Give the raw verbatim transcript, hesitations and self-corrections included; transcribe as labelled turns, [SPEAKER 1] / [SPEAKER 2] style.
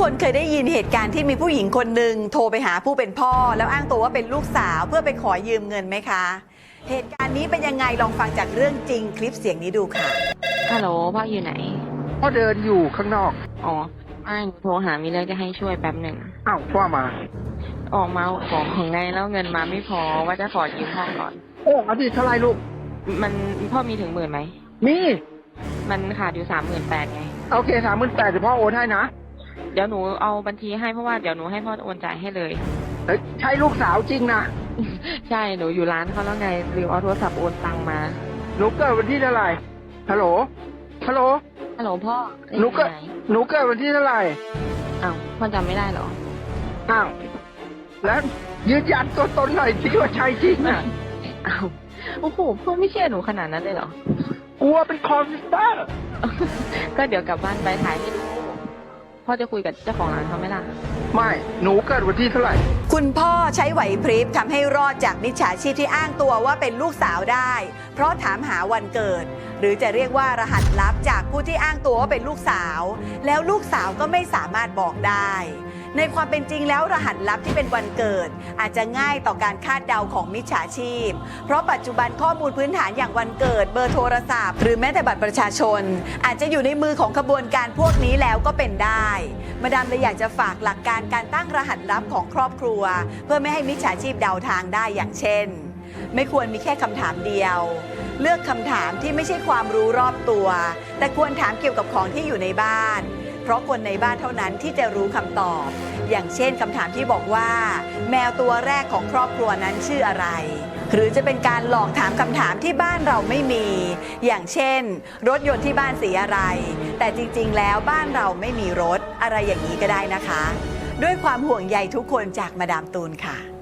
[SPEAKER 1] คนเคยได้ยินเหตุการณ์ที่มีผู้หญิงคนหนึ่งโทรไปหาผู้เป็นพ่อแล้วอ้างตัวว่าเป็นลูกสาวเพื่อไปขอยืมเงินไหมคะ เหตุการณ์นี้เป็นยังไงลองฟังจากเรื่องจริงคลิปเสียงนี้ดูค่ะ
[SPEAKER 2] ฮัลโหลพ่ออยู่ไหน
[SPEAKER 3] พ่อเดินอยู่ข้างนอก
[SPEAKER 2] อ๋อไม่หนูโทรหามีเรื่องจะให้ช่วยแป๊บหนึ่ง
[SPEAKER 3] อ้าวพ่อมา
[SPEAKER 2] ออกมาของถึงไงแล้วเงินมาไม่พอว่าจะขอยืมห้องก่อน
[SPEAKER 3] โอ้อาทิตย์เท่าไรลูก
[SPEAKER 2] มันพ่อมีถึงหมื่นไหม
[SPEAKER 3] มี
[SPEAKER 2] มันขาดอยู่สามหมื่นแปดไง
[SPEAKER 3] โอเคสามหมื่นแปดเดี๋ยวพ่อโอนให้นะ
[SPEAKER 2] เดี๋ยวหนูเอาบัญชีให้เพราะว่าเดี๋ยวหนูให้พ่อโอนจ่ายให้เลย
[SPEAKER 3] ใช่ลูกสาวจริงนะ
[SPEAKER 2] ใช่หนูอยู่ร้านเขาแล้วไงลืมเอาโทรศัพท์โอนตังมา
[SPEAKER 3] หนูเกิดวันที่เท่าไหร่ฮัลโหลฮัลโหล
[SPEAKER 2] ฮัลโหลพ่อ
[SPEAKER 3] หนูเกิดหนูเกิดวันที่เท่าไหร่
[SPEAKER 2] อ้าวพ่อจำไม่ได้เหรอ
[SPEAKER 3] อ้าวแล้วยืนยันตัวตนหน่อยที่ว่าใช่จริงอ่ะ
[SPEAKER 2] อ้าวโอ้โหพ่อไม่เชื่อหนูขนาดนั้นเลยเหร
[SPEAKER 3] อกลัวเป็นคอมพิวเตอร์
[SPEAKER 2] ก็เดี๋ยวกลับบ้านไปถ่ายให้ดูพ่อจะคุยกับเจ้าของร้านเขาไหมล่ะ
[SPEAKER 3] ไม่หนูเกิดวันที่เท่าไหร่
[SPEAKER 1] คุณพ่อใช้ไหวพริบทำให้รอดจากมิจฉาชีพที่อ้างตัวว่าเป็นลูกสาวได้เพราะถามหาวันเกิดหรือจะเรียกว่ารหัสลับจากผู้ที่อ้างตัวว่าเป็นลูกสาวแล้วลูกสาวก็ไม่สามารถบอกได้ในความเป็นจริงแล้วรหัสลับที่เป็นวันเกิดอาจจะง่ายต่อการคาดเดาของมิจฉาชีพเพราะปัจจุบันข้อมูลพื้นฐานอย่างวันเกิดเบอร์โทรศัพท์หรือแม้แต่บัตรประชาชนอาจจะอยู่ในมือของขบวนการพวกนี้แล้วก็เป็นได้มาดามเลยอยากจะฝากหลักการการตั้งรหัสลับของครอบครัวเพื่อไม่ให้มิจฉาชีพเดาทางได้อย่างเช่นไม่ควรมีแค่คำถามเดียวเลือกคำถามที่ไม่ใช่ความรู้รอบตัวแต่ควรถามเกี่ยวกับของที่อยู่ในบ้านเพราะคนในบ้านเท่านั้นที่จะรู้คำตอบอย่างเช่นคำถามที่บอกว่าแมวตัวแรกของครอบครัวนั้นชื่ออะไรหรือจะเป็นการหลอกถามคำถามที่บ้านเราไม่มีอย่างเช่นรถยนต์ที่บ้านสีอะไรแต่จริงๆแล้วบ้านเราไม่มีรถอะไรอย่างนี้ก็ได้นะคะด้วยความห่วงใยทุกคนจากมาดามตูนค่ะ